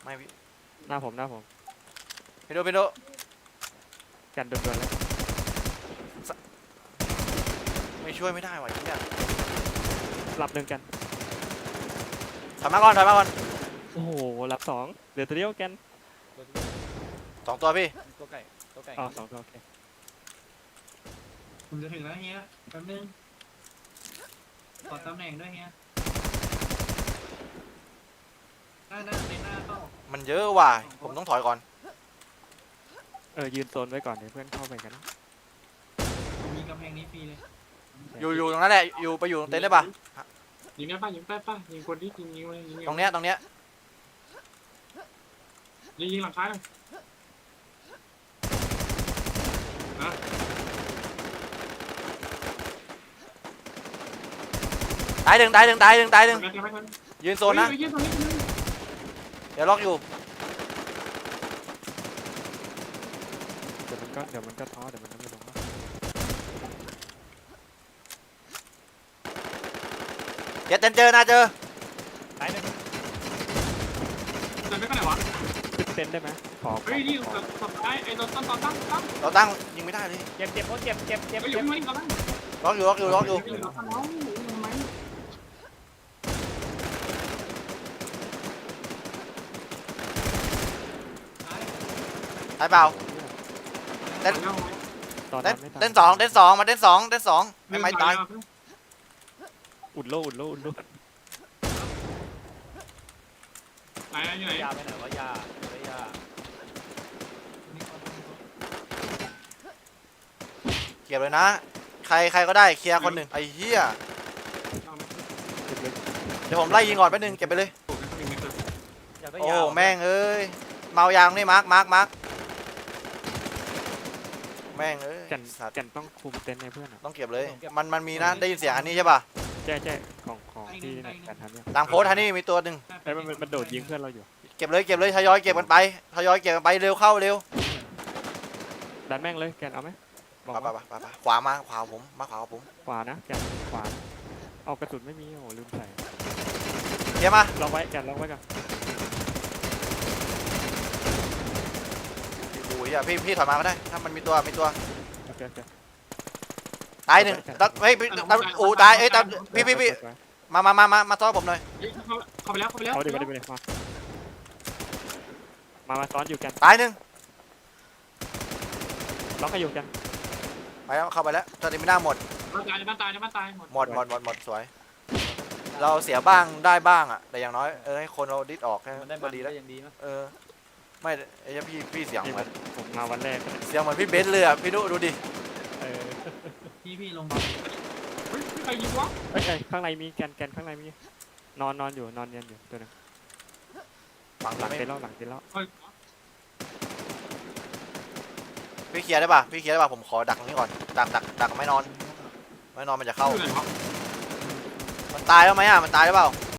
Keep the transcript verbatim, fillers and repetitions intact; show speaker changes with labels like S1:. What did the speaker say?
S1: ไม่พี่
S2: หน้าผมหน้าผม
S1: ไปดูไปดู
S2: กันโดนๆเลย
S1: ไม่ช่วยไม่ได้ว่ะเนี่ย
S2: หลับหนึ่งกัน
S1: ถอยมาก่อนถอยมาก่อน
S2: โอ้โหหลับสองเหลือตัวเดียวกัน
S1: สองตัวพี่
S3: ตัวไก่ตัวไก่
S2: อ๋อสองตัวโอเค
S4: ผมจะถึงแล้วเฮียแป๊บนึงขอตำแหน่งด้วยเฮียหน้าหน้าในหน้าเข้า
S1: มันเยอะว่ะผมต้องถอยก่อน
S2: เออยืนโซนไว้ก่อนเดี๋ยวเพื่อนเข้าไปกัน
S4: ผมมีกำแพงนี้ฟรีเลย
S1: อยู่อยู่ตรงนั้นแหละอยู่ไปอยู่ตรงเต็นท์ได้ปะ
S5: ยิงได้ป่ะยิงได้ป่ะยิงคนที่ยิงยิงเลยยิง
S1: ตรงเนี้ยตรงเนี้ย
S5: ยิงยิงหลังท้ายเลยนะ
S1: ตายหนึ่งตายหนึ่งตายหนึ่งตายหนึ่ง
S5: ไม่ทันไม่ทัน
S1: ยืนโซนนะ
S5: เฮ้ยเฮ้ยตรงนี้ตรงนี้
S1: เดี๋ยวล็อกอยู่
S2: เดี๋ยวมันก็เดี๋ยวมันก็ท้อเดี๋ยวมันก็ไม่ลงแล้ว
S1: เดี๋ยวเต็นท์เจอนะเจอ
S3: ตายหนึ่ง
S5: เดินไม่ไปไหนวะ
S2: ขึ้นเต็นท์ได้ไหมขอขอ
S5: เฮ้ยนี่
S2: ขอ
S5: สุดท้ายไอ้โดนตั้งตั้งตั้งตั้ง
S1: เราตั้งยิงไม่ได้เลย
S3: เจ็บเจ็บโอ้เจ็บเจ็บเจ็บ
S5: เฮ้ย
S3: เจ็บ
S5: ไม่ตั้ง
S1: ล็อกอยู่ล็อกอยู่ล็อกอยู่
S5: ยิงตั้งน้องทำไม
S1: ตายเปล่า
S5: เต้น
S2: ตอน
S1: เต้
S2: นั้น นไม่ตาย
S1: เต้นสองเต้นสองมาเต้นสองเต้นสองไม่ไม่ตาย
S2: อุดโลอุดโลอุดโล
S5: ไหนอยู่ไหน
S3: ยาไปไหนวะยาไปยา
S1: เก็บเลยนะ ใครใครก็ได้เคลียร์คนหนึ่งไอ้เหี้ยเดี๋ยวผมไล่ยิงก่อนแป๊บนึงเก็บไปเลย
S3: อยากได้
S1: โอ้
S3: ยา
S1: แม่งเอ้ยเมายางนี่มาร์กมาร์กมาร์กแม่งเอ้ย
S2: กัน
S1: สัตว์
S2: กันต้องคุมเต็นท์ให้เพื่อนอ่ะ
S1: ต้องเก็บเลย มันมันมีนะได้ยินเสียงอันนี้ใช่ป่ะ
S2: แจ้แจ้ของของที่เนี่ยกันทำเนี่ย
S1: ต่างโพสต์อันนี้มีตัวหนึ่ง
S2: ไอ้ยมันมันมันโดดยิงเพื่อนเราอยู่
S1: เก็บเลยเก็บเลยทยอยเก็บกันไปทยอยเก็บกันไปเร็วเข้าเร็ว
S2: ดันแม่งเลยแกนเอาไหมบอก
S1: ไปไป
S2: ว่า
S1: ไปไปขวามาขวาผมมาขวาผม
S2: ขวานะแกนขวาเอากระสุนไม่มีโอ้ลืมใส่
S1: เคลียร์มา
S2: ล็อกไว้แกนล็อกไว้ก่อน
S1: โอ้ยอ่ะพี่พี่ถอยมาก็ได้ถ้ามันมีตัวมีตัว
S2: โอเคโอเค
S1: ตายหนึ่งตัดเฮ้ยพี่ตัดอูตายเอ้ยตัดพี่พี่พี่มามามามามาซ้อนผมหน่อย
S5: เข้าไปแล้วเข้าไปแล้ว
S2: เอาดิมาดิมาดิมามามาซ้อนอยู่กัน
S1: ตายหนึ่ง
S2: ล็อกให้อยู่กัน
S1: ไปแล้วเข้าไปแล้วตอนนี้ไม่น่าหมด
S5: บ้านตายในบ้านตายในบ้านตายหมด
S1: หมดหมดหมดหมดสวย เราเสียบ้างได้บ้างอ่ะแต่อย่างน้อยเออให้คนเราดิดออกแค่
S3: มันได้
S1: ก็
S3: มัน
S1: ดี
S3: ก็
S1: แล้ว
S3: ยังดีมั้ย
S1: เออไม่ไอ้เหี้ยพี่พี่เสียงเหมือน
S2: ผมมาวันแรก
S1: เสียงเหมือนพี่เบนซ์เลยอ่ะพี่นุดูดิ
S2: เออ
S4: พี่พี่ลงมา
S5: เฮ้ยใครยิงวะ
S2: เอ้ยเอ้ยข้างในมีแกนแกนข้างในมีนอนนอนอยู่นอนเนียนอยู่ตัวนึง
S1: ฝั่ง
S2: หลัง
S1: ไม่
S2: เต็นท์แล้วหลังเต็นท์แล้ว
S5: เฮ้ย
S1: พี่เคลียร์ได้ป่ะพี่เคลียร์ได้ป่ะผมขอดักตรงนี้ก่อนดักดักดักไม่นอนไม่นอนมันจะเข้า
S5: อยู่ไหนวะ
S1: มันตายแล้วไหมอ่ะมันตายหรือเปล่า